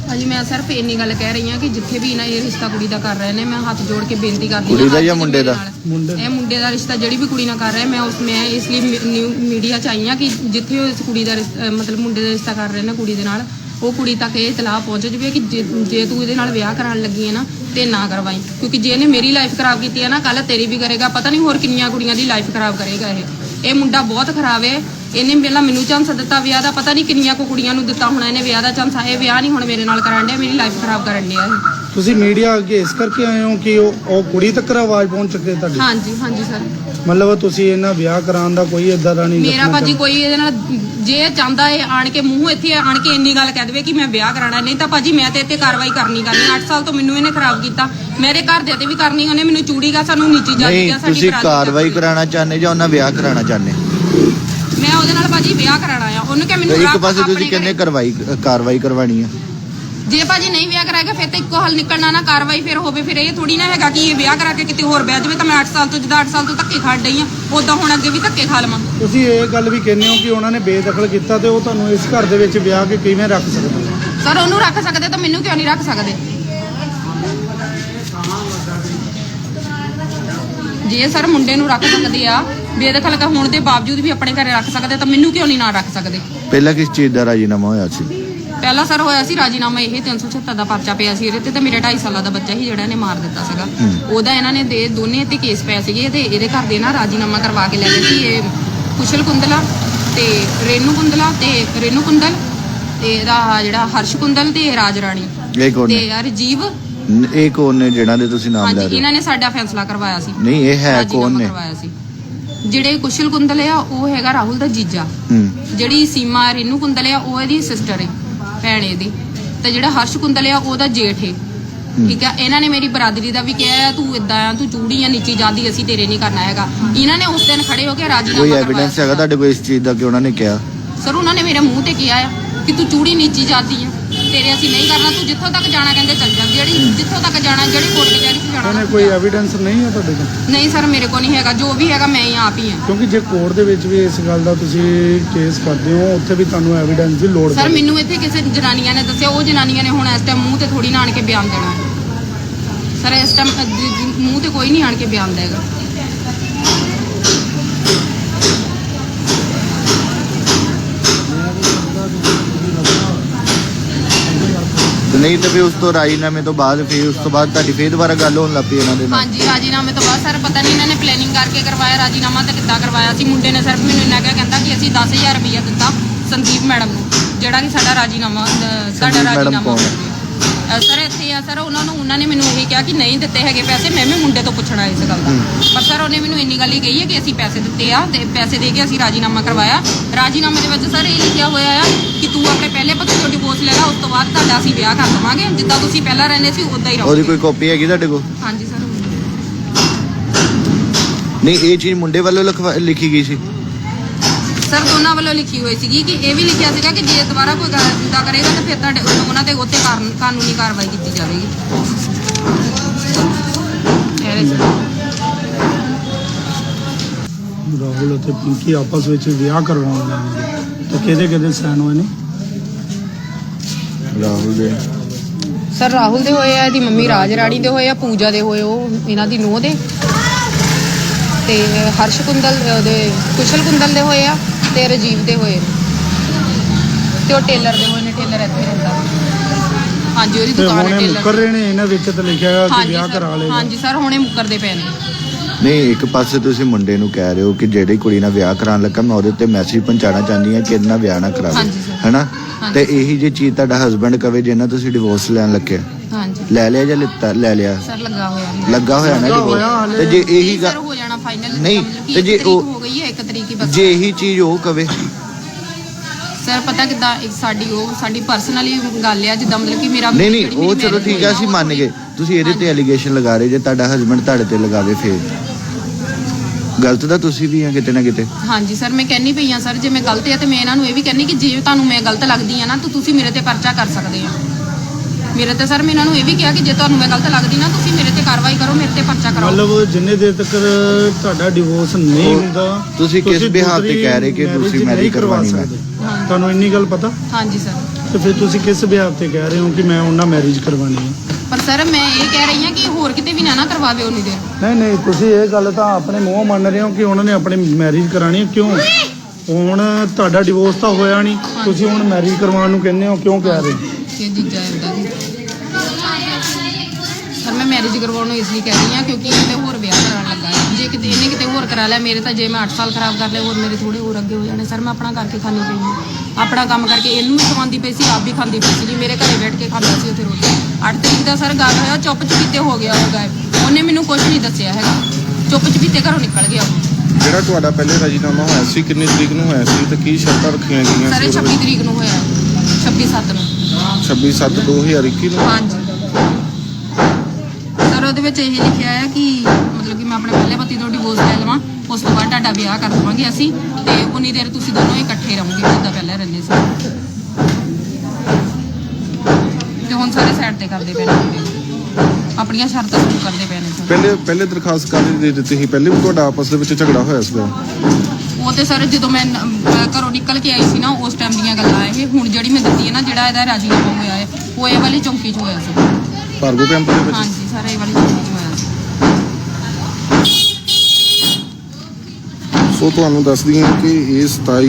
B: ਭਾਜੀ ਮੈਂ ਸਿਰਫ ਇੰਨੀ ਗੱਲ ਕਹਿ ਰਹੀ ਹਾਂ ਕਿ ਜਿੱਥੇ ਵੀ ਇਹਨਾਂ ਇਹ ਰਿਸ਼ਤਾ ਕੁੜੀ ਦਾ ਕਰ ਰਹੇ ਨੇ ਮੈਂ ਹੱਥ ਜੋੜ ਕੇ ਬੇਨਤੀ ਕਰਦੀ ਹਾਂ
I: ਕੁੜੀ ਦਾ ਜਾਂ
B: ਅੱਜ
I: ਮੁੰਡੇ ਦਾ?
B: ਇਹ ਮੁੰਡੇ ਦਾ ਰਿਸ਼ਤਾ ਜਿਹੜੀ ਵੀ ਕੁੜੀ ਨਾਲ ਕਰ ਰਿਹਾ ਮੈਂ ਇਸ ਲਈ ਨਿਊ ਮੀਡੀਆ ਚ ਆਈ ਹਾਂ ਕਿ ਜਿੱਥੇ ਉਹ ਇਸ ਕੁੜੀ ਦਾ ਮਤਲਬ ਮੁੰਡੇ ਦਾ ਰਿਸ਼ਤਾ ਕਰ ਰਹੇ ਨੇ ਕੁੜੀ ਦੇ ਨਾਲ ਉਹ ਕੁੜੀ ਤੱਕ ਇਹ ਇਤਲਾਹ ਪਹੁੰਚ ਜਾਵੇ ਕਿ ਜੇ ਤੂੰ ਇਹਦੇ ਨਾਲ ਵਿਆਹ ਕਰਾਉਣ ਲੱਗੀ ਹੈ ਨਾ ਤੇ ਨਾ ਕਰਵਾਈ, ਕਿਉਂਕਿ ਜੇ ਇਹਨੇ ਮੇਰੀ ਲਾਈਫ ਖਰਾਬ ਕੀਤੀ ਹੈ ਨਾ ਕੱਲ ਤੇਰੀ ਵੀ ਕਰੇਗਾ, ਪਤਾ ਨਹੀਂ ਹੋਰ ਕਿੰਨੀਆਂ ਕੁੜੀਆਂ ਦੀ ਲਾਈਫ ਖਰਾਬ ਕਰੇਗਾ ਇਹ ਮੁੰਡਾ ਬਹੁਤ ਖਰਾਬ ਹੈ। ਇਹਨੇ ਪਹਿਲਾਂ ਮੈਨੂੰ ਚਾਂਸ ਦਿੱਤਾ ਵਿਆਹ ਦਾ, ਪਤਾ ਨਹੀਂ ਕਿੰਨੀਆਂ ਕੋ ਕੁੜੀਆਂ ਨੂੰ ਦਿੱਤਾ ਹੋਣਾ ਇਹਨੇ ਵਿਆਹ ਦਾ ਚਾਂਸ। ਇਹ ਵਿਆਹ ਨਹੀਂ ਹੁਣ ਮੇਰੇ ਨਾਲ ਕਰਾਉਣ ਡਿਆ, ਮੇਰੀ ਲਾਈਫ ਖਰਾਬ ਕਰਨ ਡਿਆ ਇਹ।
C: ਤੁਸੀਂ ਮੀਡੀਆ ਅੱਗੇ ਇਸ ਕਰਕੇ ਆਏ ਹੋ ਕਿ ਉਹ ਕੁੜੀ ਤੱਕ ਆਵਾਜ਼ ਪਹੁੰਚ ਚੁੱਕੇ ਤੁਹਾਡੀ?
B: ਹਾਂਜੀ ਹਾਂਜੀ ਸਰ।
C: ਮਤਲਬ ਤੁਸੀਂ ਇਹਨਾਂ ਵਿਆਹ ਕਰਾਉਣ ਦਾ ਕੋਈ ਇਦਾਂ ਦਾ ਨਹੀਂ
B: ਮੇਰਾ ਭਾਜੀ ਕੋਈ ਇਹਦੇ ਨਾਲ ਜੇ ਚਾਹੁੰਦਾ ਹੈ ਆਣ ਕੇ ਮੂੰਹ ਇੱਥੇ ਆਣ ਕੇ ਇੰਨੀ ਗੱਲ ਕਹਿ ਦੇਵੇ ਕਿ ਮੈਂ ਵਿਆਹ ਕਰਾਣਾ, ਨਹੀਂ ਤਾਂ ਭਾਜੀ ਮੈਂ ਤੇ ਇੱਥੇ ਕਾਰਵਾਈ ਕਰਨੀ 8 ਸਾਲ ਤੋਂ ਮੈਨੂੰ ਇਹਨੇ ਖਰਾਬ ਕੀਤਾ, ਮੇਰੇ ਘਰ ਦੇ ਤੇ ਵੀ ਕਰਨੀ, ਉਹਨੇ ਮੈਨੂੰ ਚੂੜੀਗਾ ਸਾਨੂੰ ਨੀਚੀ ਜਾਤੀ
I: ਨਹੀਂ
B: ਗਿਆ ਸਾਡੀ
I: ਤੁਸੀਂ ਕਾਰਵਾਈ ਕਰਾਉਣਾ ਚਾਹੁੰਦੇ ਜਾਂ ਉਹਨਾਂ ਵਿਆਹ ਕਰਾਉਣਾ ਚਾਹੁੰਦੇ?
B: ਮੈਂ ਉਹਦੇ ਨਾਲ ਭਾਜੀ ਵਿਆਹ ਕਰਾਣਾ ਆ, ਉਹਨੂੰ ਕਿ ਮੈਨੂੰ
I: ਇੱਕ ਪਾਸੇ ਤੁਸੀਂ ਕਹਿੰਦੇ ਕਾਰਵਾਈ ਕਰਵਾਣੀ ਆ,
B: ਜੇ ਭਾਜੀ ਨਹੀਂ ਵਿਆਹ ਕਰਾਏਗਾ ਫਿਰ ਤਾਂ ਇੱਕੋ ਹੱਲ ਨਿਕਲਣਾ ਨਾ, ਕਾਰਵਾਈ ਫਿਰ ਹੋਵੇ। ਫਿਰ ਇਹ ਥੋੜੀ ਨਾ ਹੈਗਾ ਕਿ ਇਹ ਵਿਆਹ ਕਰਾ ਕੇ ਕਿਤੇ ਹੋਰ ਬਹਿ ਜਾਵੇ ਤਾਂ ਮੈਂ 8 ਸਾਲ ਤੋਂ ਜਿੱਦਾਂ 8 ਸਾਲ ਤੋਂ ਧੱਕੇ ਖਾ ਡਈ ਆ ਉਦਾਂ ਹੁਣ ਅੱਗੇ ਵੀ ਧੱਕੇ ਖਾ ਲਵਾਂ।
C: ਤੁਸੀਂ ਇਹ ਗੱਲ ਵੀ ਕਹਿੰਦੇ ਹੋ ਕਿ ਉਹਨਾਂ ਨੇ ਬੇਦਖਲ ਕੀਤਾ ਤੇ ਉਹ ਤੁਹਾਨੂੰ ਇਸ ਘਰ ਦੇ ਵਿੱਚ ਵਿਆਹ ਕੇ ਕਿਵੇਂ ਰੱਖ ਸਕਦੇ?
B: ਸਰ ਉਹਨੂੰ ਰੱਖ ਸਕਦੇ ਤਾਂ ਮੈਨੂੰ ਕਿਉਂ ਨਹੀਂ ਰੱਖ ਸਕਦੇ? ਜੇ ਸਰ ਮੁੰਡੇ ਨੂੰ ਰੱਖ ਸਕਦੇ ਆ ਬੇਦਖਲ ਹੋਣ ਦੇ ਬਾਵਜੂਦ ਵੀ ਆਪਣੇ ਘਰੇ ਰੱਖ ਸਕਦੇ ਤਾਂ ਮੈਨੂੰ ਕਿਉਂ ਨਹੀਂ ਨਾ ਰੱਖ ਸਕਦੇ?
I: ਪਹਿਲਾਂ ਕਿਸ ਚੀਜ਼ ਦਾ ਰਾਜੀਨਾਮਾ ਹੋਇਆ ਸੀ?
B: ਪਹਿਲਾਂ ਸਰ ਹੋਇਆ ਸੀ ਰਾਜੀਨਾਮਾ ਇਹ 376 ਦਾ ਪਰਚਾ ਪਿਆ ਸੀ ਇਹਦੇ ਤੇ ਮੇਰਾ 2.5 ਸਾਲਾਂ ਦਾ ਬੱਚਾ ਸੀ ਜਿਹੜਾ ਇਹਨੇ ਮਾਰ ਦਿੱਤਾ ਸੀਗਾ, ਉਹਦਾ ਇਹਨਾਂ ਨੇ ਦੋਨੇ ਤੇ ਕੇਸ ਪਏ ਸੀਗੇ ਤੇ ਇਹਦੇ ਘਰ ਦੇ ਨਾ ਰਾਜੀਨਾਮਾ ਕਰਵਾ ਕੇ ਲੈ ਗਏ ਸੀ। ਇਹ ਕੁਸ਼ਲ ਕੁੰਦਲਾ ਤੇ ਰੇਨੂ ਕੁੰਦਲ ਤੇ ਇਹਦਾ ਜਿਹੜਾ ਹਰਸ਼ ਕੁੰਦਲ ਤੇ ਰਾਜ ਰਾਣੀ
I: ਇਹ ਕੌਣ
B: ਤੇ
I: ਨੇ?
B: ਰਜੀਵ।
I: ਇਹ ਕੌਣ ਨੇ ਜਿਹਨਾਂ ਦੇ ਤੁਸੀਂ ਨਾਮ ਲੈ
B: ਹਾਂਜੀ
I: ਰਹੇ
B: ਇਹਨਾਂ ਨੇ ਸਾਡਾ ਫੈਸਲਾ ਕਰਵਾਇਆ ਸੀ।
I: ਨਹੀਂ ਇਹ ਹੈ ਕੌਣ ਨੇ?
B: ਕਰਵਾਇਆ ਸੀ ਜਿਹੜੇ ਕੁਸ਼ਲ ਕੁੰਦਲ ਆ ਉਹ ਹੈਗਾ ਰਾਹੁਲ ਦਾ ਜੀਜਾ, ਜਿਹੜੀ ਸੀਮਾ ਰੇਨੂ ਕੁੰਦਲ ਆ ਉਹ ਇਹਦੀ ਸਿਸਟਰ ਹੈ ਭੈਣ ਇਹਦੀ, ਤੇ ਜਿਹੜਾ ਹਰਸ਼ ਕੁੰਦਲ ਆ ਉਹਦਾ ਜੇਠ ਹੈ। ਠੀਕ ਆ, ਇਹਨਾਂ ਨੇ ਮੇਰੀ ਬਰਾਦਰੀ ਦਾ ਵੀ ਕਿਹਾ ਤੂੰ ਇਦਾਂ ਆ ਤੂੰ ਚੂੜੀ ਆ ਨੀਚੀ ਜਾਂਦੀ ਅਸੀਂ ਤੇਰੇ ਨਹੀਂ ਕਰਨਾ ਹੈਗਾ। ਇਹਨਾਂ ਨੇ ਉਸ ਦਿਨ ਖੜੇ ਹੋ ਕੇ ਰਾਜੀਨਾਮਾ
I: ਕੋਈ
B: ਕਰਵਾਇਆ।
I: ਐਵੀਡੈਂਸ ਹੈਗਾ ਤੁਹਾਡੇ ਕੋਲ ਇਸ ਚੀਜ਼ ਦਾ ਕਿ ਉਹਨਾਂ ਨੇ ਕਿਹਾ?
B: ਸਰ ਉਹਨਾਂ ਨੇ ਮੇਰੇ ਮੂੰਹ ਤੇ ਕਿਹਾ ਆ ਕਿ ਤੂੰ ਚੂੜੀ ਨੀਚੀ ਜਾਂਦੀ ਆ ਤੇਰੇ ਅਸੀਂ ਨਹੀਂ ਕਰਨਾ, ਤੂੰ ਜਿੱਥੋਂ ਤੱਕ ਜਾਣਾ ਕਹਿੰਦੇ ਚੱਲ ਜਾ, ਜਿੱਥੋਂ ਤੱਕ ਜਾਣਾ ਜਿਹੜੀ ਕੋਰਟ ਕਚਹਿਰੀ 'ਚ ਜਾਣਾ।
C: ਉਹਨੇ ਕੋਈ ਐਵੀਡੈਂਸ ਨਹੀਂ ਹੈ ਤੁਹਾਡੇ ਕੋਲ?
B: ਨਹੀਂ ਸਰ ਮੇਰੇ ਕੋਲ ਨਹੀਂ ਹੈਗਾ, ਜੋ ਵੀ ਹੈਗਾ ਮੈਂ ਹੀ ਆਪ ਹੀ ਆ।
C: ਕਿਉਂਕਿ ਜੇ ਕੋਰਟ ਦੇ ਵਿੱਚ ਵੀ ਇਸ ਗੱਲ ਦਾ ਤੁਸੀਂ ਕੇਸ ਕਰਦੇ ਹੋ ਉੱਥੇ ਵੀ ਤੁਹਾਨੂੰ ਐਵੀਡੈਂਸ ਦੀ ਲੋੜ
B: ਸਰ ਮੈਨੂੰ ਇੱਥੇ ਕਿਸੇ ਜਨਾਨੀਆਂ ਨੇ ਦੱਸਿਆ, ਉਹ ਜਨਾਨੀਆਂ ਨੇ ਹੁਣ ਇਸ ਟਾਈਮ ਮੂੰਹ ਤੇ ਥੋੜੀ ਨਾ ਆਣ ਕੇ ਬਿਆਨ ਦੇਣਾ ਸਰ, ਇਸ ਟਾਈਮ ਮੂੰਹ ਤੇ ਕੋਈ ਨਹੀਂ ਆਣ ਕੇ ਬਿਆਨ ਦੇਗਾ।
I: ਨਹੀਂ ਤਾਂ ਫਿਰ ਉਸ ਤੋਂ ਰਾਜੀਨਾਮੇ ਤੋਂ ਬਾਅਦ ਫਿਰ ਉਸ ਤੋਂ ਬਾਅਦ ਤੁਹਾਡੀ ਫੇਰ ਦੁਬਾਰਾ ਗੱਲ ਹੋਣ ਲੱਗ ਪਈ ਇਹਨਾਂ ਦੇ ਨਾਲ?
B: ਹਾਂਜੀ ਰਾਜੀਨਾਮੇ ਤੋਂ ਬਾਅਦ ਸਰ ਪਤਾ ਨਹੀਂ ਇਹਨਾਂ ਨੇ ਪਲੈਨਿੰਗ ਕਰਕੇ ਕਰਵਾਇਆ ਰਾਜੀਨਾਮਾ ਤੇ ਕਿੱਦਾਂ ਕਰਵਾਇਆ ਸੀ। ਮੁੰਡੇ ਨੇ ਸਿਰਫ ਮੈਨੂੰ ਇੰਨਾ ਕਹਿੰਦਾ ਕਿ ਅਸੀਂ 10,000 ਰੁਪਇਆ ਦਿੱਤਾ ਸੰਦੀਪ ਮੈਡਮ ਨੂੰ, ਜਿਹੜਾ ਕਿ ਸਾਡਾ ਰਾਜੀਨਾਮਾ ਸਰ ਇੱਥੇ ਆ ਸਰ ਉਹਨਾਂ ਨੇ ਮੈਨੂੰ ਇਹ ਕਿਹਾ ਕਿ ਨਹੀਂ ਦਿੱਤੇ ਹੈਗੇ ਪੈਸੇ, ਮੈਂ ਵੀ ਮੁੰਡੇ ਤੋਂ ਪੁੱਛਣਾ ਇਸ ਗੱਲ ਦਾ। ਪਰ ਸਰ ਉਹਨੇ ਮੈਨੂੰ ਇੰਨੀ ਗੱਲ ਹੀ ਕਹੀ ਹੈ ਕਿ ਅਸੀਂ ਪੈਸੇ ਦਿੱਤੇ ਆ ਤੇ ਪੈਸੇ ਦੇ ਕੇ ਅਸੀਂ ਰਾਜੀਨਾਮਾ ਕਰਵਾਇਆ। ਰਾਜੀਨਾਮੇ ਦੇ ਵਿੱਚ ਸਰ ਇਹ ਲਿਖਿਆ ਹੋਇਆ ਆ ਕਿ ਤੂੰ ਆਪਣੇ ਪਹਿਲੇ ਪਤੀ ਤੋਂ ਡਿਵੋਰਸ ਲੈ ਲਾ, ਉਸ ਤੋਂ ਬਾਅਦ ਤੁਹਾਡਾ ਅਸੀਂ ਵਿਆਹ ਕਰ ਦਵਾਂਗੇ, ਜਿੱਦਾਂ ਤੁਸੀਂ ਪਹਿਲਾਂ ਰਹਿੰਦੇ ਸੀ ਉਦਾਂ ਹੀ ਰਹੋਗੇ।
I: ਉਹਦੀ ਕੋਈ ਕਾਪੀ ਹੈਗੀ ਤੁਹਾਡੇ ਕੋਲ?
B: ਹਾਂਜੀ ਸਰ।
I: ਨਹੀਂ ਇਹ ਚੀਜ਼ ਮੁੰਡੇ ਵੱਲੋਂ ਲਿਖੀ ਗਈ ਸੀ?
B: ਸਰ ਦੋਨਾਂ ਵੱਲੋਂ ਲਿਖੀ ਹੋਈ ਸੀਗੀ ਕਿ ਇਹ ਵੀ ਲਿਖਿਆ ਸੀਗਾ ਕਿ ਜੇ ਦੁਬਾਰਾ ਕੋਈ ਇਦਾਂ ਕਰੇਗਾ ਤਾਂ ਫਿਰ ਤੁਹਾਡੇ ਉਹਨਾਂ ਤੇ ਉੱਤੇ ਕਾਨੂੰਨੀ ਕਾਰਵਾਈ ਕੀਤੀ ਜਾਵੇਗੀ।
C: ਰਾਹੁਲ ਅਤੇ ਪਿੰਕੀ ਆਪਸ ਵਿੱਚ ਵਿਆਹ ਕਰਵਾਉਣ ਲੱਗੇ ਤਾਂ ਕਿਹਦੇ ਸਾਈਨ ਹੋਏ ਨੇ?
I: ਰਾਹੁਲ ਦੇ
B: ਸਰ ਰਾਹੁਲ ਦੇ ਹੋਏ ਆ, ਇਹਦੀ ਮੰਮੀ ਰਾਜ ਰਾਣੀ ਦੇ ਹੋਏ ਆ, ਪੂਜਾ ਦੇ ਹੋਏ ਉਹ ਇਹਨਾਂ ਦੀ ਨੂੰਹ ਦੇ, ਤੇ ਹਰਸ਼ ਕੁੰਦਲ ਉਹਦੇ ਕੁਸ਼ਲ ਕੁੰਦਲ ਦੇ ਹੋਏ ਆ, ਤੇ ਰਜੀਵ ਦੇ ਹੋਏ ਤੇ ਉਹ ਟੇਲਰ ਦੇ ਹੋਏ ਨੇ। ਟੇਲਰ ਇੱਥੇ ਰਹਿੰਦਾ ਹਾਂਜੀ, ਉਹਦੀ ਦੁਕਾਨ ਹੈ ਟੇਲਰ।
C: ਮੁੱਕਰ ਰਹੇ ਨੇ ਇਹਨਾਂ ਵਿੱਚ ਤਾਂ ਲਿਖਿਆ ਹੋਇਆ ਕਿ ਵਿਆਹ ਕਰਾ ਲਏ।
B: ਹਾਂਜੀ ਸਰ ਹੁਣੇ ਮੁੱਕਰਦੇ ਪਏ ਨੇ।
I: ਨਹੀਂ ਇੱਕ ਪਾਸੇ ਤੁਸੀਂ ਮੁੰਡੇ ਨੂੰ ਕਹਿ ਰਹੇ ਹੋ ਕਿ ਜਿਹੜੀ ਕੁੜੀ ਨਾਲ ਵਿਆਹ ਕਰਾਉਣ ਲੱਗਾ ਮੈਂ ਉਹਦੇ ਉੱਤੇ ਮੈਸੇਜ ਪਹੁੰਚਾਉਣਾ ਚਾਹੁੰਦੀ ਹਾਂ ਕਿ ਇਹਦੇ ਨਾਲ ਵਿਆਹ ਨਾ ਕਰਾਵੇ, ਹੈਨਾ? ਤੇ ਇਹੀ ਜੇ ਚੀਜ਼ ਤੁਹਾਡਾ ਹਸਬੰਡ ਕਵੇ ਜਿਹਨਾਂ ਤੁਸੀਂ ਡਿਵੋਰਸ ਲੈਣ ਲੱਗੇ,
B: ਹਾਂਜੀ
I: ਲੈ ਲਿਆ ਜਾਂ ਲਿੱਤਾ? ਲੈ ਲਿਆ
B: ਸਰ, ਲੱਗਾ ਹੋਇਆ
I: ਨਾ ਡਿਵੋਰਸ। ਤੇ ਜੇ ਇਹੀ
B: ਸਰ ਹੋ ਜਾਣਾ ਫਾਈਨਲ
I: ਨਹੀਂ ਤੇ ਜੇ ਉਹ
B: ਹੋ ਗਈ ਹੈ 1 ਤਰੀਕ ਹੀ ਬਸ।
I: ਜੇ ਇਹੀ ਚੀਜ਼ ਉਹ ਕਵੇ
B: ਸਰ ਪਤਾ ਕਿੱਦਾਂ ਸਾਡੀ ਪਰਸਨਲੀ ਗੱਲ ਆ, ਜਿੱਦਾਂ ਮਤਲਬ ਕਿ ਮੇਰਾ
I: ਨਹੀਂ ਉਹ ਚਲੋ ਠੀਕ ਹੈ ਅਸੀਂ ਮੰਨ ਗਏ, ਤੁਸੀਂ ਇਹਦੇ ਤੇ ਐਲੀਗੇਸ਼ਨ ਲਗਾ ਰਹੇ ਜੇ ਤੁਹਾਡਾ ਹਸਬੰਡ ਤੁਹਾਡੇ ਤੇ ਲਗਾਵੇ ਫੇਰ ਗਲਤ ਤਾਂ ਤੁਸੀਂ ਵੀ ਆ ਕਿਤੇ ਨਾ ਕਿਤੇ।
B: ਹਾਂਜੀ ਸਰ ਮੈਂ ਕਹਿੰਨੀ ਪਈ ਆ ਸਰ, ਜੇ ਮੈਂ ਗਲਤ ਆ ਤੇ ਮੈਂ ਇਹਨਾਂ ਨੂੰ ਇਹ ਵੀ ਕਹਿੰਨੀ ਕਿ ਜੇ ਤੁਹਾਨੂੰ ਮੈਂ ਗਲਤ ਲੱਗਦੀ ਆ ਨਾ ਤਾਂ ਤੁਸੀਂ ਮੇਰੇ ਤੇ ਪਰਚਾ ਕਰ ਸਕਦੇ ਆ। ਮੇਰੇ ਤੇ ਸਰ ਮੈਂ ਇਹਨਾਂ ਨੂੰ ਇਹ ਵੀ ਕਿਹਾ ਕਿ ਜੇ ਤੁਹਾਨੂੰ ਮੈਂ ਗਲਤ ਲੱਗਦੀ ਨਾ ਤੁਸੀਂ ਮੇਰੇ ਤੇ ਕਾਰਵਾਈ ਕਰੋ, ਮੇਰੇ ਤੇ ਪਰਚਾ ਕਰਾਓ।
C: ਮਤਲਬ ਜਿੰਨੇ ਦੇਰ ਤੱਕ ਤੁਹਾਡਾ ਡਿਵੋਰਸ ਨਹੀਂ ਹੁੰਦਾ
I: ਤੁਸੀਂ ਕਿਸ ਬਿਹਾਫ ਤੇ ਕਹਿ ਰਹੇ ਕਿ ਤੁਸੀਂ ਮੈਰਿਜ ਕਰਵਾਣੀ ਹੈ?
C: ਤੁਹਾਨੂੰ ਇੰਨੀ ਗੱਲ ਪਤਾ?
B: ਹਾਂਜੀ ਸਰ।
C: ਤੇ ਫਿਰ ਤੁਸੀਂ ਕਿਸ ਵਿਆਹ ਤੇ ਕਹਿ ਰਹੇ ਹੋ ਕਿ ਮੈਂ ਉਹਨਾਂ ਮੈਰਿਜ ਕਰਵਾਣੀ ਹੈ?
B: ਪਰ ਸਰ ਮੈਂ ਇਹ ਕਹਿ ਰਹੀ ਹਾਂ ਕਿ ਹੋਰ ਕਿਤੇ ਵੀ ਨਾ ਕਰਵਾਵੇ ਉਨੀ ਦੇਰ।
C: ਨਹੀਂ ਨਹੀਂ, ਤੁਸੀਂ ਇਹ ਗੱਲ ਤਾਂ ਆਪਣੇ ਮੂੰਹੋਂ ਮੰਨ ਰਹੇ ਹੋ ਕਿ ਉਹਨਾਂ ਨੇ ਆਪਣੀ ਮੈਰਿਜ ਕਰਾਣੀ ਹੈ। ਕਿਉਂ? ਹੁਣ ਤੁਹਾਡਾ ਡਿਵੋਰਸ ਤਾਂ ਹੋਇਆ ਨਹੀਂ, ਤੁਸੀਂ ਹੁਣ ਮੈਰਿਜ ਕਰਵਾਉਣ ਨੂੰ ਕਹਿੰਦੇ ਹੋ, ਕਿਉਂ ਕਹਿ ਰਹੇ ਹੋ?
B: ਕਿ ਜੀਜਾ ਇਦਾਂ ਦੀ ਸਰ ਮੈਂ ਮੈਰਿਜ ਕਰਵਾਉਣ ਨੂੰ ਇਸ ਲਈ ਕਹਿ ਰਹੀ ਹਾਂ ਕਿਉਂਕਿ ਇਹਦੇ ਹੋਰ ਵਿਆਹ ਕਰਾਉਣ ਲੱਗਾ ਹੈ। ਜੇ ਕਿਤੇ ਇਹਨੇ ਕਿਤੇ ਹੋਰ ਕਰਾ ਲਿਆ ਮੇਰੇ ਤਾਂ ਜੇ ਮੈਂ 8 ਸਾਲ ਖਰਾਬ ਕਰ ਲਏ ਹੋਰ ਮੇਰੇ ਥੋੜੇ ਹੋਰ ਅੱਗੇ ਹੋ ਜਾਣੇ। ਸਰ ਮੈਂ ਆਪਣਾ ਕਰਕੇ ਖਾਣੀ ਪਈ ਹਾਂ, ਆਪਣਾ ਕੰਮ ਕਰਕੇ ਇਹਨੂੰ ਵੀ ਖਵਾਉਂਦੀ ਪਈ ਸੀ, ਆਪ ਵੀ ਖਾਂਦੀ ਪਈ ਸੀ ਜੀ। ਮੇਰੇ ਘਰੇ ਬੈਠ ਕੇ ਖਾਂਦਾ ਸੀ ਉੱਥੇ ਰੋਟੀ। 8 ਤਰੀਕ ਦਾ ਸਰ ਗੱਲ ਹੋਇਆ, ਚੁੱਪ ਚਪੀਤੇ ਹੋ ਗਿਆ ਉਹ ਗਾਇਬ। ਉਹਨੇ ਮੈਨੂੰ ਕੁਝ ਨਹੀਂ ਦੱਸਿਆ ਹੈਗਾ, ਚੁੱਪ ਚਪੀਤੇ ਘਰੋਂ ਨਿਕਲ ਗਿਆ ਉਹ।
A: ਜਿਹੜਾ ਤੁਹਾਡਾ ਪਹਿਲੇ ਰਾਜੀਨਾਮਾ ਹੋਇਆ ਸੀ ਕਿੰਨੀ ਤਰੀਕ ਨੂੰ ਹੋਇਆ ਸੀ ਤੇ ਕੀ ਸ਼ਰਤਾਂ ਰੱਖੀਆਂ ਗਈਆਂ
B: ਸਰ
A: ਸੀ?
B: 26 ਤਰੀਕ ਨੂੰ ਹੋਇਆ, 26/7 ਨੂੰ।
A: 26/7/2021 ਨੂੰ?
B: ਹਾਂਜੀ ਸਰ ਉਹਦੇ ਵਿੱਚ ਇਹ ਲਿਖਿਆ ਹੈ ਕਿ ਮਤਲਬ ਕਿ ਮੈਂ ਆਪਣੇ ਪਹਿਲੇ ਪਤੀ ਤੋਂ ਡਿਵੋਰਸ ਲੈ ਲਵਾਂ, ਉਸ ਤੋਂ ਬਾਅਦ ਤੁਹਾਡਾ ਵਿਆਹ ਕਰ ਦਵਾਂਗੇ ਅਸੀਂ ਤੇ ਉਨੀ ਦੇਰ ਤੁਸੀਂ ਦੋਨੋਂ ਇਕੱਠੇ ਰਹੋਗੇ ਜਿੱਦਾਂ ਪਹਿਲਾਂ ਰਹਿੰਦੇ ਸੀ। ਤੇ ਹੁਣ ਸਾਰੇ ਸਾਈਡ ਤੇ ਕਰਦੇ ਪਏ ਨੇ, ਆਪਣੀਆਂ ਸ਼ਰਤਾਂ ਸ਼ੁਰੂ ਕਰਦੇ ਪਏ ਨੇ ਸਰ।
A: ਪਹਿਲੇ ਦਰਖਾਸਤ ਕਾਹਦੀ ਦੇ ਦਿੱਤੀ ਸੀ? ਪਹਿਲੇ ਵੀ ਤੁਹਾਡਾ ਆਪਸ ਦੇ ਵਿੱਚ ਝਗੜਾ ਹੋਇਆ ਸੀਗਾ?
B: ਉਹ ਤੇ ਸਰ ਜਦੋਂ ਮੈਂ ਘਰੋਂ ਨਿਕਲ ਕੇ ਆਈ ਸੀ ਨਾ ਉਸ ਟਾਈਮ ਦੀਆਂ ਗੱਲਾਂ ਇਹ। ਹੁਣ ਜਿਹੜੀ ਮੈਂ ਦਿੱਤੀ ਹੈ ਨਾ, ਜਿਹੜਾ ਇਹਦਾ ਰਾਜੀਨਾਮਾ ਹੋਇਆ ਹੈ ਉਹ ਇਹ ਵਾਲੀ ਚੌਂਕੀ 'ਚ ਹੋਇਆ ਸੀ।
A: ਭਾਰਗੋ ਕੈਂਪ ਦੇ ਵਿੱਚ?
B: ਹਾਂਜੀ ਸਰ ਇਹ ਵਾਲੀ ਚੌਂਕੀ 'ਚ ਹੋਇਆ ਸੀ।
A: ਸੋ ਤੁਹਾਨੂੰ ਦੱਸ ਦਈਏ ਕਿ ਇਹ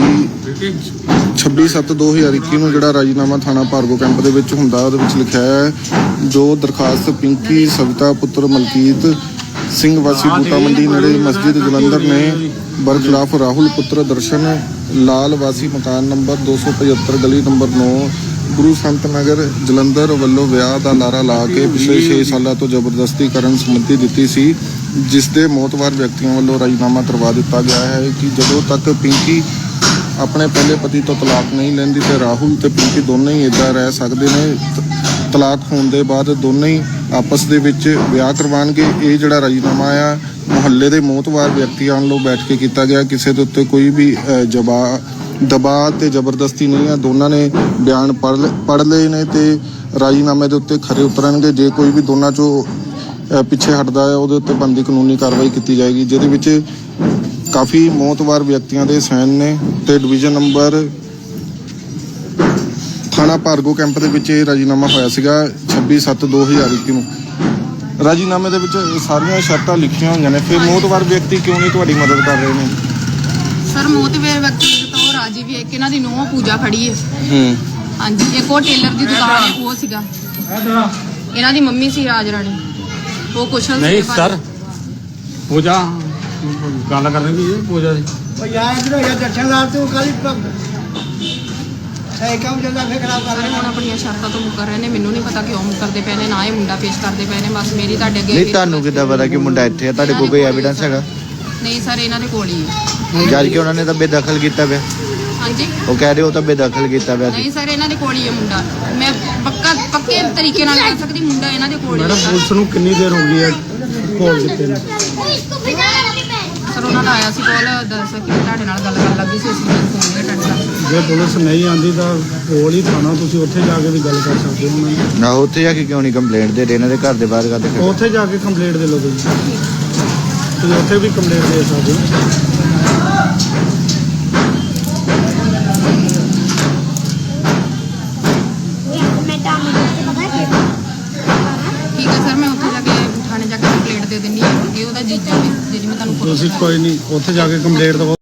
A: 26/7/2021 ਨੂੰ ਜਿਹੜਾ ਰਾਜੀਨਾਮਾ ਥਾਣਾ ਭਾਰਗੋ ਕੈਂਪ ਦੇ ਵਿੱਚ ਹੁੰਦਾ, ਉਹਦੇ ਵਿੱਚ ਲਿਖਿਆ ਹੈ ਜੋ ਦਰਖਾਸਤ ਪਿੰਕੀ ਸਵਿਤਾ ਪੁੱਤਰ ਮਲਕੀਤ ਸਿੰਘ ਵਾਸੀ ਬੂਟਾ ਮੰਡੀ ਨੇੜੇ ਮਸਜਿਦ ਜਲੰਧਰ ਨੇ ਬਰਖਲਾਫ ਰਾਹੁਲ ਪੁੱਤਰ ਦਰਸ਼ਨ ਲਾਲ ਵਾਸੀ ਮਕਾਨ ਨੰਬਰ 275 ਗਲੀ ਨੰਬਰ 9 ਗੁਰੂ ਸੰਤ ਨਗਰ ਜਲੰਧਰ ਵੱਲੋਂ ਵਿਆਹ ਦਾ ਲਾਰਾ ਲਾ ਕੇ ਪਿਛਲੇ 6 ਸਾਲਾਂ ਤੋਂ ਜ਼ਬਰਦਸਤੀ ਕਰਨ ਸੰਬੰਧੀ ਦਿੱਤੀ ਸੀ, ਜਿਸ ਦੇ ਮੌਤਵਾਰ ਵਿਅਕਤੀਆਂ ਵੱਲੋਂ ਰਾਜੀਨਾਮਾ ਕਰਵਾ ਦਿੱਤਾ ਗਿਆ ਹੈ ਕਿ ਜਦੋਂ ਤੱਕ ਪਿੰਕੀ ਆਪਣੇ ਪਹਿਲੇ ਪਤੀ ਤੋਂ ਤਲਾਕ ਨਹੀਂ ਲੈਂਦੀ ਤੇ ਰਾਹੁਲ ਤੇ ਪਿੰਕੀ ਦੋਨੇ ਹੀ ਇੱਦਾਂ ਰਹਿ ਸਕਦੇ ਨੇ। ਤਲਾਕ ਹੋਣ ਦੇ ਬਾਅਦ ਦੋਨੇ ਹੀ ਆਪਸ ਦੇ ਵਿੱਚ ਵਿਆਹ ਕਰਵਾਉਣਗੇ। ਇਹ ਜਿਹੜਾ ਰਾਜੀਨਾਮਾ ਆ ਮੁਹੱਲੇ ਦੇ ਮੌਤਵਾਰ ਵਿਅਕਤੀਆਂ ਵੱਲੋਂ ਬੈਠ ਕੇ ਕੀਤਾ ਗਿਆ, ਕਿਸੇ ਦੇ ਉੱਤੇ ਕੋਈ ਵੀ ਦਬਾਅ ਤੇ ਜ਼ਬਰਦਸਤੀ ਨਹੀਂ ਆ। ਦੋਨਾਂ ਨੇ ਬਿਆਨ ਪੜ੍ਹ ਲਏ ਨੇ ਤੇ ਰਾਜੀਨਾਮੇ ਦੇ ਉੱਤੇ ਖਰੇ ਉਤਰਨਗੇ। ਜੇ ਕੋਈ ਵੀ ਦੋਨਾਂ ਚੋਂ ਪਿੱਛੇ ਹਟਦਾ ਹੈ ਉਹਦੇ ਉੱਤੇ ਬਣਦੀ ਕਾਨੂੰਨੀ ਕਾਰਵਾਈ ਕੀਤੀ ਜਾਏਗੀ, ਜਿਹਦੇ ਵਿੱਚ ਕਾਫੀ ਮੌਤਵਾਰ ਵਿਅਕਤੀਆਂ ਦੇ ਸਾਈਨ ਨੇ ਤੇ ਡਿਵੀਜ਼ਨ ਨੰਬਰ ਥਾਣਾ ਭਾਰਗੋ ਕੈਂਪ ਦੇ ਵਿੱਚ ਇਹ ਰਾਜੀਨਾਮਾ ਹੋਇਆ ਸੀਗਾ 26/7/2021 ਨੂੰ। ਰਾਜੀਨਾਮੇ ਦੇ ਵਿੱਚ ਸਾਰੀਆਂ ਸ਼ਰਤਾਂ ਲਿਖੀਆਂ ਹੋਈਆਂ ਨੇ, ਫਿਰ ਮੌਤਵਾਰ ਵਿਅਕਤੀ ਕਿਉਂ ਨਹੀਂ ਤੁਹਾਡੀ ਮਦਦ ਕਰ ਰਹੇ ਨੇ?
B: ਸਰ ਮੌਤਵਾਰ ਵਿਅਕਤੀ ਤਾਂ ਉਹ ਰਾਜੀ ਵੀ ਹੈ ਕਿ ਇਹਨਾਂ ਦੀ ਨੂੰਹ ਪੂਜਾ ਖੜੀ ਹੈ। ਹਾਂਜੀ ਇੱਕ ਉਹ ਟੇਲਰ ਦੀ ਦੁਕਾਨ ਹੈ ਉਹ ਸੀਗਾ, ਇਹਨਾਂ ਦੀ ਮੰਮੀ ਸੀ ਰਾਜ ਰਾਣੀ, ਉਹ ਕੁਸ਼ਲ
E: ਨਹੀਂ ਸਰ ਪੂਜਾ ਗੱਲ ਕਰ ਰਹੀ ਹੈ ਪੂਜਾ ਦੀ।
F: ਉਹ ਯਾਰ ਇਧਰ ਯਾਰ ਦਰਸ਼ਨਦਾਰ ਤੂੰ ਕਾਲੀ ਸਹੀ ਕੰਮ ਚੱਲਦਾ ਫੇਰ ਖਰਾਬ ਕਰ
B: ਸਾਰੇ ਹੁਣ ਆਪਣੀਆਂ ਸ਼ਰਤਾਂ ਤੋਂ ਮੁੱਕਰ ਰਹੇ ਨੇ। ਮੈਨੂੰ ਨਹੀਂ ਪਤਾ ਕਿਉਂ ਮੁੱਕਰਦੇ ਪਏ ਨੇ, ਨਾ ਇਹ ਮੁੰਡਾ ਪੇਸ਼ ਕਰਦੇ ਪਏ ਨੇ। ਬਸ ਮੇਰੀ ਤੁਹਾਡੇ ਅੱਗੇ
I: ਨਹੀਂ, ਤੁਹਾਨੂੰ ਕਿੱਦਾਂ ਪਤਾ ਕਿ ਮੁੰਡਾ ਇੱਥੇ ਆ? ਤੁਹਾਡੇ ਕੋਲ ਕੋਈ ਐਵੀਡੈਂਸ ਹੈਗਾ?
B: ਨਹੀਂ ਸਰ ਇਹਨਾਂ ਦੇ ਕੋਲ ਹੀ ਹੈ।
I: ਜਦ ਕਿ ਉਹਨਾਂ ਨੇ ਤਾਂ ਬੇਦਖਲ ਕੀਤਾ ਪਿਆ।
B: ਹਾਂਜੀ
I: ਉਹ ਕਹਿ ਰਹੇ ਹੋ ਤਾਂ ਬੇਦਖਲ ਕੀਤਾ ਪਿਆ ਸੀ।
B: ਨਹੀਂ ਸਰ ਇਹਨਾਂ ਦੇ ਕੋਲ ਹੀ ਹੈ ਮੁੰਡਾ। ਮੈਂ ਪੱਕੇ ਤਰੀਕੇ ਨਾਲ ਕਹਿ ਸਕਦੀ ਮੁੰਡਾ ਇਹਨਾਂ ਦੇ ਕੋਲ ਹੀ
C: ਮੈਡਮ
B: ਹੈ।
C: ਪੁਲਿਸ ਨੂੰ ਕਿੰਨੀ ਦੇਰ ਹੋ ਗਈ ਹੈ ਕੋਲ ਦਿੱਤੇ ਨੇ?
B: ਸਰ ਉਹਨਾਂ ਦਾ ਆਇਆ ਸੀ ਕੋਲ, ਦੱਸ ਕਿ ਤੁਹਾਡੇ ਨਾਲ ਗੱਲ ਕਰਨ ਲੱਗੀ ਸੀ, ਅਸੀਂ ਫੋਨ ਤੇ ਅਟੈਂਡ ਕਰ ਲਿਆ।
C: ਜੇ ਪੁਲਿਸ ਨਹੀਂ ਆਂਦੀ ਤਾਂ ਕੋਲ ਹੀ ਥਾਣਾ, ਤੁਸੀਂ ਉੱਥੇ ਜਾ ਕੇ ਵੀ ਗੱਲ ਕਰ ਸਕਦੇ ਹੋ ਉਹਨਾਂ ਨਾਲ।
I: ਨਾ ਉੱਥੇ ਜਾ ਕੇ ਕਿਉਂ ਨਹੀਂ ਕੰਪਲੇਂਟ ਦੇ ਰਹੇ? ਇਹਨਾਂ ਦੇ ਘਰ ਦੇ ਬਾਹਰ ਕਰਦੇ ਖੜੇ।
C: ਉੱਥੇ ਜਾ ਕੇ ਕੰਪਲੇਂਟ ਦੇ ਲਓ ਤੁਸੀਂ ਉੱਥੇ ਵੀ ਕੰਪਲੇਂਟ ਦੇ ਸਕਦੇ ਹੋ।
B: ਠੀਕ ਹੈ ਸਰ, ਮੈਂ ਉੱਥੇ ਜਾ ਕੇ ਥਾਣੇ ਜਾ ਕੇ ਕੰਪਲੇਂਟ ਦੇ ਦਿੰਦੀ ਹਾਂ। ਇਹ ਉਹਦਾ ਜੀਜਾ ਵੀ ਜਿਹੜੀ ਮੈਂ ਤੁਹਾਨੂੰ
C: ਤੁਸੀਂ ਕੋਈ ਨਹੀਂ ਉੱਥੇ ਜਾ ਕੇ ਕੰਪਲੇਂਟ ਦਵੋ।